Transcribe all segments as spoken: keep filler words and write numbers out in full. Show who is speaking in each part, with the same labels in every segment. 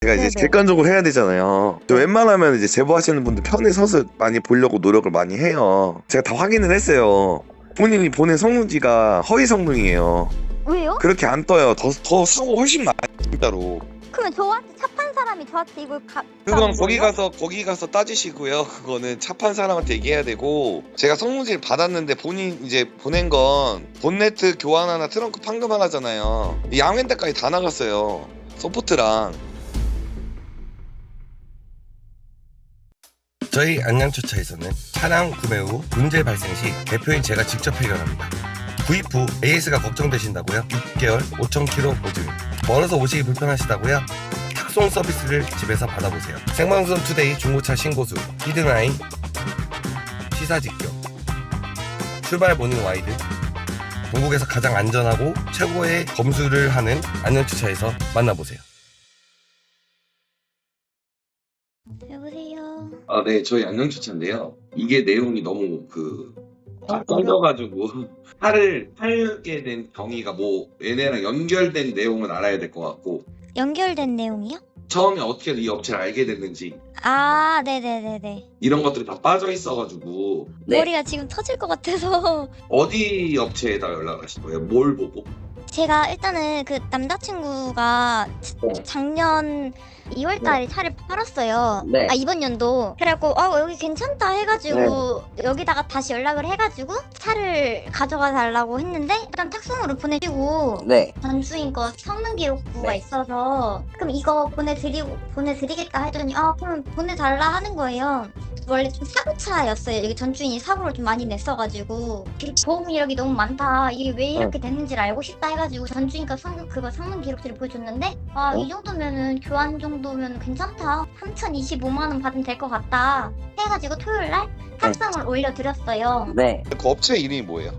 Speaker 1: 제가 이제
Speaker 2: 네네.
Speaker 1: 객관적으로 해야 되잖아요. 저 웬만하면 이제 제보하시는 분들 편에 서서 많이 보려고 노력을 많이 해요. 제가 다 확인을 했어요. 본인이 보낸 성능지가 허위 성능이에요.
Speaker 2: 왜요?
Speaker 1: 그렇게 안 떠요. 더, 더 사고 훨씬 많아요, 진짜로.
Speaker 2: 그러면 저한테 차 판 사람이 저한테 이걸 가
Speaker 1: 그건 거기 가서 거기 가서 따지시고요. 그거는 차 판 사람한테 얘기해야 되고, 제가 성능지를 받았는데 본인 이제 보낸 건 본네트 교환 하나, 트렁크 판금 하나잖아요. 이 양면대까지 다 나갔어요. 서포트랑.
Speaker 3: 저희 안양주차에서는 차량 구매 후 문제 발생 시 대표인 제가 직접 해결합니다. 구입 후 에이에스가 걱정되신다고요? 육 개월 오천 킬로미터 보증. 멀어서 오시기 불편하시다고요? 탁송 서비스를 집에서 받아보세요. 생방송 투데이 중고차 신고수 히든아이 시사 직격 출발 모닝 와이드 전국에서 가장 안전하고 최고의 검수를 하는 안양주차에서 만나보세요.
Speaker 2: 여보세요.
Speaker 1: 아, 네, 저희 안녕주차인데요. 이게 내용이 너무 그 떨려가지고 차를 팔게 된 경위가 뭐 얘네랑 연결된 내용은 알아야 될 것 같고,
Speaker 2: 연결된 내용이요?
Speaker 1: 처음에 어떻게 이 업체를 알게 됐는지
Speaker 2: 아, 네네네네.
Speaker 1: 이런 것들이 다 빠져 있어가지고.
Speaker 2: 머리가 지금 터질 것 같아서.
Speaker 1: 어디 업체에다 연락하신 거예요? 뭘 보고?
Speaker 2: 제가 일단은 그 남자친구가
Speaker 1: 네.
Speaker 2: 작년 이월 달에 차를 팔았어요.
Speaker 4: 네.
Speaker 2: 아, 이번 연도. 그래갖고 아 여기 괜찮다 해가지고 여기다가 다시 연락을 해가지고 차를 가져가 달라고 했는데 일단 탁송으로 보내주고
Speaker 4: 네.
Speaker 2: 전주인 거 성능 기록부가
Speaker 4: 네.
Speaker 2: 있어서 그럼 이거 보내드리고 보내드리겠다 했더니 아 그럼 보내달라 하는 거예요. 원래 좀 사고차였어요. 여기 전주인이 사고를 좀 많이 냈어가지고 보험 이력이 너무 많다. 이게 왜 이렇게 됐는지를 알고 싶다 해가지고 전주인과 성 그거 성능 기록지를 보여줬는데 아 이 정도면은 교환 정도면 괜찮다. 삼천이십오만 원 받으면 될 것 같다. 해가지고 토요일 날 탁송을 올려드렸어요.
Speaker 4: 네.
Speaker 1: 그 업체 이름이 뭐예요?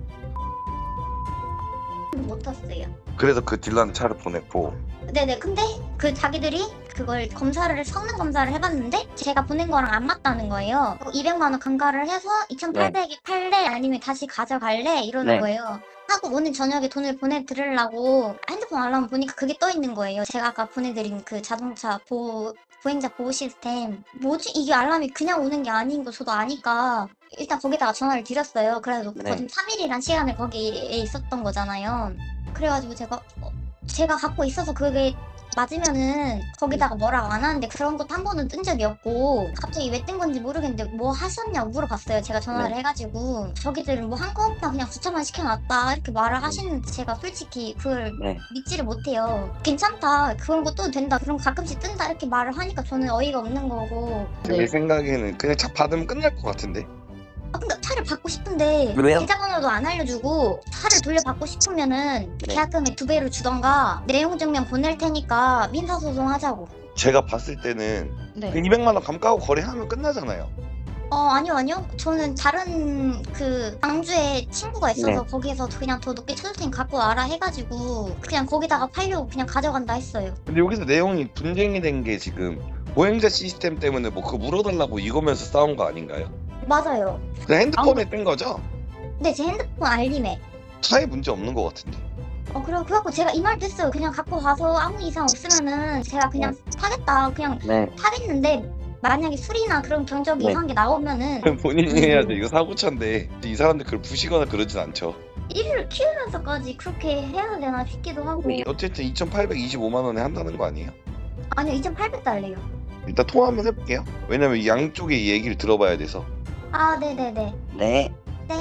Speaker 2: 못 탔어요.
Speaker 1: 그래서 그 딜러한테 차를 보냈고.
Speaker 2: 네네. 근데 그 자기들이 그걸 검사를 성능 검사를 해봤는데 제가 보낸 거랑 안 맞다는 거예요. 이백만 원 감가를 해서 이천팔백에 팔래 아니면 다시 가져갈래 이러는
Speaker 4: 네.
Speaker 2: 거예요. 하고 오늘 저녁에 돈을 보내드리려고 핸드폰 알람 보니까 그게 떠 있는 거예요. 제가 아까 보내드린 그 자동차 보호 보행자 보호 시스템. 뭐지 이게 알람이 그냥 오는 게 아닌 거 저도 아니까 일단 거기다가 전화를 드렸어요. 그래도
Speaker 4: 네.
Speaker 2: 거진 삼 일이란 시간을 거기에 있었던 거잖아요. 그래가지고 제가 어, 제가 갖고 있어서 그게 맞으면은 거기다가 뭐라고 안 하는데 그런 것도 한 번은 뜬 적이 없고 갑자기 왜 뜬 건지 모르겠는데 뭐 하셨냐고 물어봤어요. 제가 전화를
Speaker 4: 네.
Speaker 2: 해가지고 저기들은 뭐 한 거 없다 그냥 주차만 시켜놨다 이렇게 말을 하시는데 제가 솔직히 그걸
Speaker 4: 네.
Speaker 2: 믿지를 못해요. 괜찮다 그런 것도 된다 그런 거 가끔씩 뜬다 이렇게 말을 하니까 저는 어이가 없는 거고.
Speaker 1: 제 생각에는 그냥 차 받으면 끝날 것 같은데.
Speaker 2: 아, 근데 차를 받고 싶은데
Speaker 4: 왜요?
Speaker 2: 계좌번호도 안 알려주고 차를 돌려받고 싶으면은
Speaker 4: 네.
Speaker 2: 계약금의 두 배를 주던가 내용 증명 보낼 테니까 민사소송 하자고.
Speaker 1: 제가 봤을 때는
Speaker 2: 네.
Speaker 1: 그 이백만 원 감가하고 거래하면 끝나잖아요.
Speaker 2: 어 아니요 아니요 저는 다른 그 광주에 친구가 있어서
Speaker 4: 네.
Speaker 2: 거기에서 그냥 더 높게 쳐줄 테니 갖고 와라 해가지고 그냥 거기다가 팔려고 그냥 가져간다 했어요.
Speaker 1: 근데 여기서 내용이 분쟁이 된 게 지금 보행자 시스템 때문에 뭐 그거 물어달라고 이거면서 싸운 거 아닌가요?
Speaker 2: 맞아요.
Speaker 1: 그냥 핸드폰에 뜬 거죠?
Speaker 2: 근데 제 핸드폰 알림에
Speaker 1: 차에 문제 없는 것 같은데.
Speaker 2: 어 그래 그래갖고 제가 이 말도 했어요. 그냥 갖고 가서 아무 이상 없으면은 제가 그냥 타겠다 그냥
Speaker 4: 네.
Speaker 2: 타겠는데 만약에 술이나 그런 경적이
Speaker 4: 네.
Speaker 2: 이상한 게 나오면은
Speaker 1: 본인이 해야죠. 이거 사고차인데 이 사람들 그걸 부시거나 그러진 않죠.
Speaker 2: 일을 키우면서까지 그렇게 해야 되나 싶기도 하고.
Speaker 1: 어쨌든 이천팔백이십오만 원에 한다는 거 아니에요?
Speaker 2: 아니요 이천팔백 달래요.
Speaker 1: 일단 통화 한번 해볼게요. 왜냐면 이 양쪽의 이 얘기를 들어봐야 돼서.
Speaker 2: 아 네네네.
Speaker 4: 네.
Speaker 2: 네.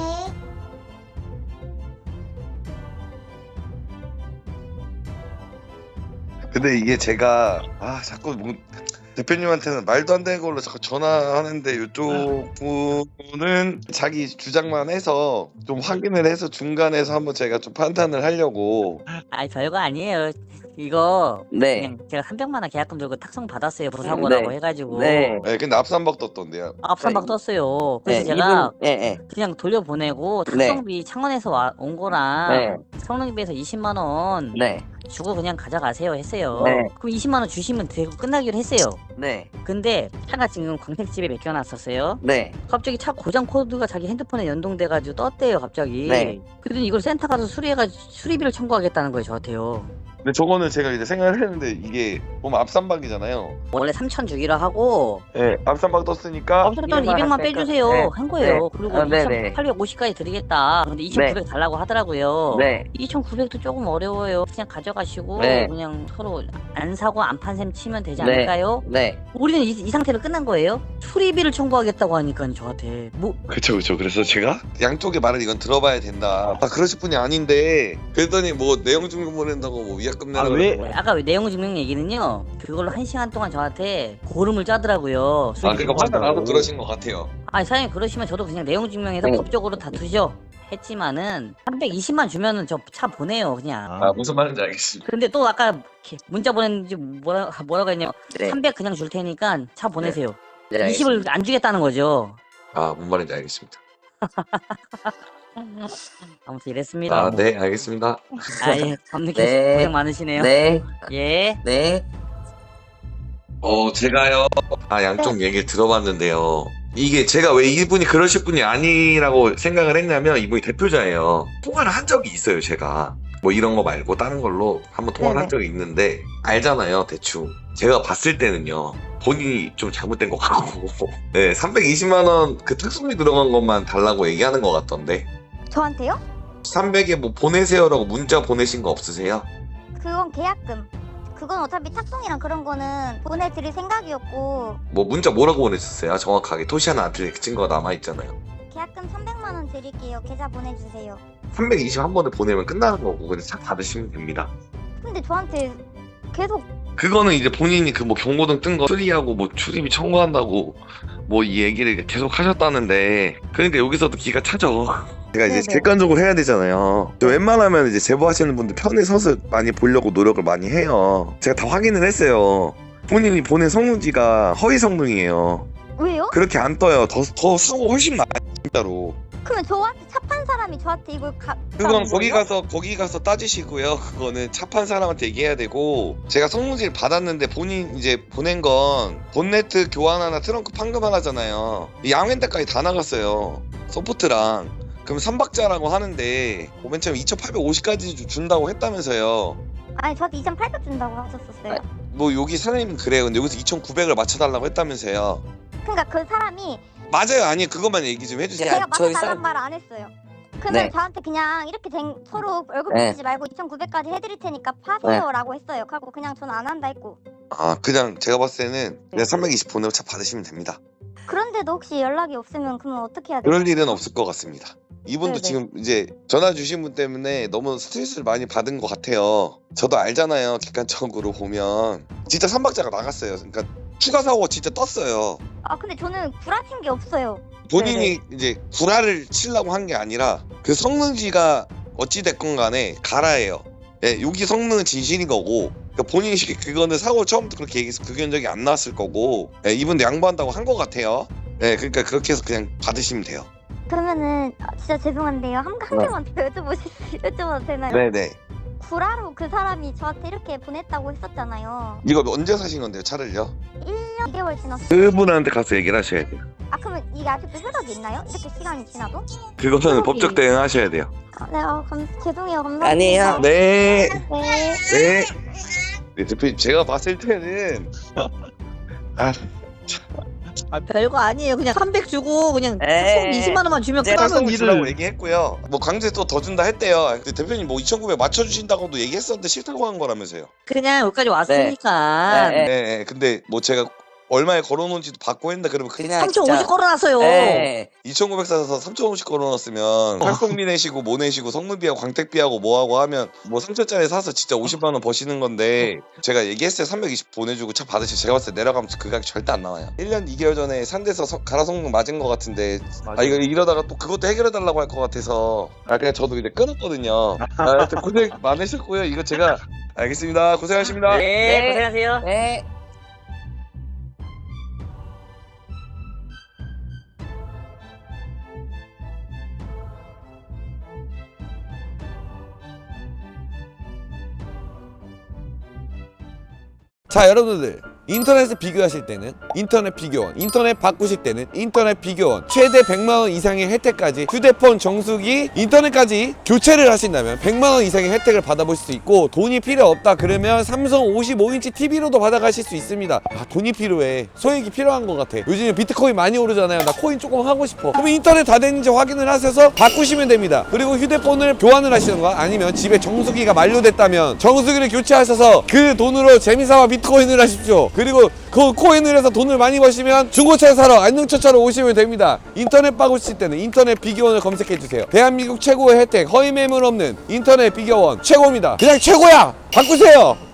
Speaker 1: 근데 이게 제가 아 자꾸 뭐 대표님한테는 말도 안 되는 걸로 자꾸 전화하는데 이쪽 분은 자기 주장만 해서 좀 확인을 해서 중간에서 한번 제가 좀 판단을 하려고.
Speaker 5: 아니 별거 아니에요. 이거
Speaker 4: 네.
Speaker 5: 그냥 제가 삼백만 원 계약금 들고 탁송 받았어요. 부사고라고
Speaker 4: 네.
Speaker 5: 해가지고
Speaker 4: 네.
Speaker 1: 네, 근데 앞산박 떴던데요.
Speaker 5: 앞선박 떴어요. 그래서
Speaker 4: 네.
Speaker 5: 제가
Speaker 4: 이분, 예, 예.
Speaker 5: 그냥 돌려보내고
Speaker 4: 네.
Speaker 5: 탁송비 창원에서 와, 온 거랑
Speaker 4: 네.
Speaker 5: 성능비에서 이십만 원
Speaker 4: 네.
Speaker 5: 주고 그냥 가져가세요 했어요.
Speaker 4: 네.
Speaker 5: 그럼 이십만 원 주시면 되고 끝나기로 했어요.
Speaker 4: 네.
Speaker 5: 근데 차가 지금 광택집에 맡겨놨었어요.
Speaker 4: 네.
Speaker 5: 갑자기 차 고장 코드가 자기 핸드폰에 연동돼가지고 떴대요 갑자기.
Speaker 4: 네.
Speaker 5: 그랬더니 이걸 센터 가서 수리해가지고 수리비를 청구하겠다는 거예요 저한테요.
Speaker 1: 근데 저거는 제가 이제 생각을 했는데 이게 보면 앞삼박이잖아요.
Speaker 5: 원래 삼천 주기로 하고
Speaker 1: 네, 앞삼박 떴으니까
Speaker 5: 어쨌든
Speaker 4: 이백만
Speaker 5: 이백만
Speaker 4: 할까?
Speaker 5: 빼주세요
Speaker 4: 네.
Speaker 5: 한 거예요.
Speaker 4: 네.
Speaker 5: 그리고
Speaker 4: 아, 네네.
Speaker 5: 이천팔백오십까지 드리겠다. 근데 이천구백 달라고 하더라고요.
Speaker 4: 네.
Speaker 5: 이천구백도 조금 어려워요. 그냥 가져가시고
Speaker 4: 네.
Speaker 5: 그냥 서로 안 사고 안 판 셈 치면 되지
Speaker 4: 네.
Speaker 5: 않을까요?
Speaker 4: 네.
Speaker 5: 우리는 이, 이 상태로 끝난 거예요? 수리비를 청구하겠다고 하니까 저한테 뭐
Speaker 1: 그쵸 그쵸. 그래서 제가 양쪽의 말을 이건 들어봐야 된다. 아 그러실 분이 아닌데 그랬더니 뭐 내용 증명 보낸다고 뭐 위약금 내라고.
Speaker 4: 아, 왜?
Speaker 1: 그러고.
Speaker 5: 아까 왜 내용 증명 얘기는요. 그걸로 한 시간 동안 저한테 고름을 짜더라고요.
Speaker 1: 아 그러니까 화가 나서 그러신 것 같아요.
Speaker 5: 아니 사장님 그러시면 저도 그냥 내용 증명해서
Speaker 4: 네.
Speaker 5: 법적으로 다투죠. 했지만은 삼백이십만 주면은 저 차 보내요 그냥.
Speaker 1: 아 무슨 말인지 알겠습니다.
Speaker 5: 근데 또 아까 이렇게 문자 보냈는지 뭐라 뭐라고 했냐면
Speaker 4: 네.
Speaker 5: 삼백 그냥 줄 테니까 차 보내세요.
Speaker 4: 네,
Speaker 5: 이십을 안 주겠다는 거죠.
Speaker 1: 아 뭔 말인지 알겠습니다.
Speaker 5: 아무튼 이랬습니다.
Speaker 1: 아 네 알겠습니다.
Speaker 5: 아예 밤늦게
Speaker 4: 네.
Speaker 5: 고생 많으시네요.
Speaker 4: 네.
Speaker 5: 예.
Speaker 4: 네.
Speaker 1: 어 제가요 아 양쪽 얘기를 들어봤는데요. 이게 제가 왜 이분이 그러실 분이 아니라고 생각을 했냐면 이분이 대표자예요. 통화를 한 적이 있어요 제가. 뭐 이런 거 말고 다른 걸로 한번 통화를 한 적이 있는데 알잖아요 대충. 제가 봤을 때는요 본인이 좀 잘못된 것 같고 네 삼백이십만 원 그 특수비 들어간 것만 달라고 얘기하는 것 같던데
Speaker 2: 저한테요?
Speaker 1: 삼백에 뭐 보내세요라고 문자 보내신 거 없으세요?
Speaker 2: 그건 계약금. 그건 어차피 탁송이랑 그런 거는 보내드릴 생각이었고
Speaker 1: 뭐 문자 뭐라고 보내셨어요? 정확하게 토시 하나 안 틀린 증거가 남아있잖아요.
Speaker 2: 계약금 삼백만 원 드릴게요. 계좌 보내주세요.
Speaker 1: 삼백이십 한 번에 보내면 끝나는 거고 그냥 차 받으시면 됩니다.
Speaker 2: 근데 저한테 계속
Speaker 1: 그거는 이제 본인이 그 뭐 경고등 뜬 거 수리하고 뭐 출입이 청구한다고 뭐 이 얘기를 계속 하셨다는데 그러니까 여기서도 기가 차죠. 제가 이제
Speaker 2: 네네.
Speaker 1: 객관적으로 해야 되잖아요. 저 웬만하면 이제 제보하시는 분들 편에 서서 많이 보려고 노력을 많이 해요. 제가 다 확인을 했어요. 본인이 보낸 성능지가 허위 성능이에요.
Speaker 2: 왜요?
Speaker 1: 그렇게 안 떠요. 더, 더 사고 훨씬 많아요 진짜로.
Speaker 2: 그러면 저한테 차 판 사람이 저한테 이걸 가
Speaker 1: 그건
Speaker 2: 가는
Speaker 1: 거기
Speaker 2: 거예요?
Speaker 1: 가서 거기 가서 따지시고요. 그거는 차 판 사람한테 얘기해야 되고 제가 성능지를 받았는데 본인 이제 보낸 건 본네트 교환 하나 트렁크 판금 하나잖아요. 이 양현대까지 다 나갔어요. 서포트랑. 그럼 삼박자라고 하는데 맨 처음 이천팔백오십까지 준다고 했다면서요.
Speaker 2: 아니 저한테 이천팔백 준다고 하셨었어요.
Speaker 1: 뭐 여기 사장님은 그래요. 근데 여기서 이천구백을 맞춰달라고 했다면서요.
Speaker 2: 그러니까 그 사람이
Speaker 1: 맞아요. 아니 그것만 얘기 좀 해주세요.
Speaker 4: 야,
Speaker 2: 제가
Speaker 4: 저희
Speaker 2: 맞춰달란
Speaker 4: 사-
Speaker 2: 말 안 했어요. 그러면
Speaker 4: 네.
Speaker 2: 저한테 그냥 이렇게 된 서로 월급
Speaker 4: 네.
Speaker 2: 주지 말고 이천구백까지 해드릴 테니까 파세요라고 했어요. 하고 그냥 저는 안 한다 했고.
Speaker 1: 아 그냥 제가 봤을 때는 그냥 삼백이십 보내고 차 받으시면 됩니다.
Speaker 2: 그런데도 혹시 연락이 없으면 그러면 어떻게 해야 돼요?
Speaker 1: 그럴 일은 없을 것 같습니다. 이분도
Speaker 2: 네네.
Speaker 1: 지금 이제 전화 주신 분 때문에 너무 스트레스를 많이 받은 것 같아요. 저도 알잖아요. 객관적으로 보면 진짜 삼박자가 나갔어요. 그러니까 추가 사고가 진짜 떴어요.
Speaker 2: 아 근데 저는 구라친 게 없어요.
Speaker 1: 본인이 이제 구라를 치려고 한 게 아니라 그 성능지가 어찌 됐건 간에 가라예요. 예, 여기 성능은 진실인 거고 그러니까 본인이 그거는 사고 처음부터 그렇게 얘기해서 그 견적이 안 나왔을 거고 예, 이분도 양보한다고 한 것 같아요. 예, 그러니까 그렇게 해서 그냥 받으시면 돼요.
Speaker 2: 그러면은 아, 진짜 죄송한데요. 한, 한
Speaker 1: 네.
Speaker 2: 개만 더 여쭤보실 수 여쭤봐도 되나요?
Speaker 1: 네네.
Speaker 2: 구라로 그 사람이 저한테 이렇게 보냈다고 했었잖아요.
Speaker 1: 이거 언제 사신 건데요, 차를요?
Speaker 2: 일 년 이 개월 지났어요.
Speaker 1: 그분한테 가서 얘기를 하셔야 돼요.
Speaker 2: 아 그러면 이게 아직도 효력이 있나요? 이렇게 시간이 지나도?
Speaker 1: 그거는
Speaker 2: 그러게.
Speaker 1: 법적 대응하셔야 돼요.
Speaker 2: 아, 네, 아, 감, 죄송해요. 감사합니다.
Speaker 4: 아니에요.
Speaker 1: 네.
Speaker 2: 네.
Speaker 1: 네. 네, 대표님 제가 봤을 때는 아,
Speaker 5: 아 별거 아니에요. 그냥 삼백 주고 그냥
Speaker 4: 에이.
Speaker 5: 이십만 원만 주면
Speaker 4: 네,
Speaker 5: 끝나는
Speaker 1: 탈성을 주라고
Speaker 5: 일을.
Speaker 1: 얘기했고요. 뭐 강제 또 더 준다 했대요. 근데 대표님 뭐 이천구백 맞춰주신다고도 얘기했었는데 싫다고 한 거라면서요.
Speaker 5: 그냥 여기까지 왔으니까
Speaker 4: 네.
Speaker 1: 네. 네. 근데 뭐 제가 얼마에 걸어놓은지도 받고 했는데 그러면 그
Speaker 4: 그냥
Speaker 5: 삼천오십
Speaker 4: 진짜-
Speaker 5: 걸어놨어요.
Speaker 4: 네.
Speaker 1: 이천구백 사서 삼천오십 걸어놨으면 탈성비 내시고 뭐 내시고 성능비하고 광택비하고 뭐하고 하면 뭐 삼천짜리 사서 진짜 오십만 원 버시는 건데 제가 얘기했어요. 삼백이십 보내주고 차 받으시고 제가 봤을 때 내려가면서 그 가격 절대 안 나와요. 일 년 이 개월 전에 산대서 서- 가라 성능 맞은 것 같은데 아 이거 이러다가 또 그것도 해결해달라고 할 것 같아서 아 그냥 저도 이제 끊었거든요. 아 하여튼 고생 많으셨고요. 이거 제가 알겠습니다. 고생하십니다.
Speaker 5: 네,
Speaker 4: 네.
Speaker 5: 고생하세요.
Speaker 4: 네.
Speaker 3: 자 여러분들
Speaker 4: 인터넷을 비교하실 때는 인터넷 비교원, 인터넷 바꾸실 때는 인터넷 비교원, 최대 백만 원 이상의 혜택까지, 휴대폰, 정수기, 인터넷까지 교체를 하신다면 백만 원 이상의 혜택을 받아보실 수 있고, 돈이 필요 없다 그러면 삼성 오십오 인치 티비로도 받아가실 수 있습니다. 아, 돈이 필요해. 소액이 필요한 것 같아. 요즘에 비트코인 많이 오르잖아요. 나 코인 조금 하고 싶어. 그러면 인터넷 다 됐는지 확인을 하셔서 바꾸시면 됩니다. 그리고 휴대폰을 교환을 하시던가, 아니면 집에 정수기가 만료됐다면 정수기를 교체하셔서 그 돈으로 재미삼아 비트코인을 하십시오. 그리고 그 코인을 해서 돈을 많이 버시면 중고차 사러 안녕처차로 오시면 됩니다. 인터넷 바꾸실 때는 인터넷 비교원을 검색해주세요. 대한민국 최고의 혜택, 허위 매물 없는 인터넷 비교원 최고입니다. 그냥 최고야! 바꾸세요!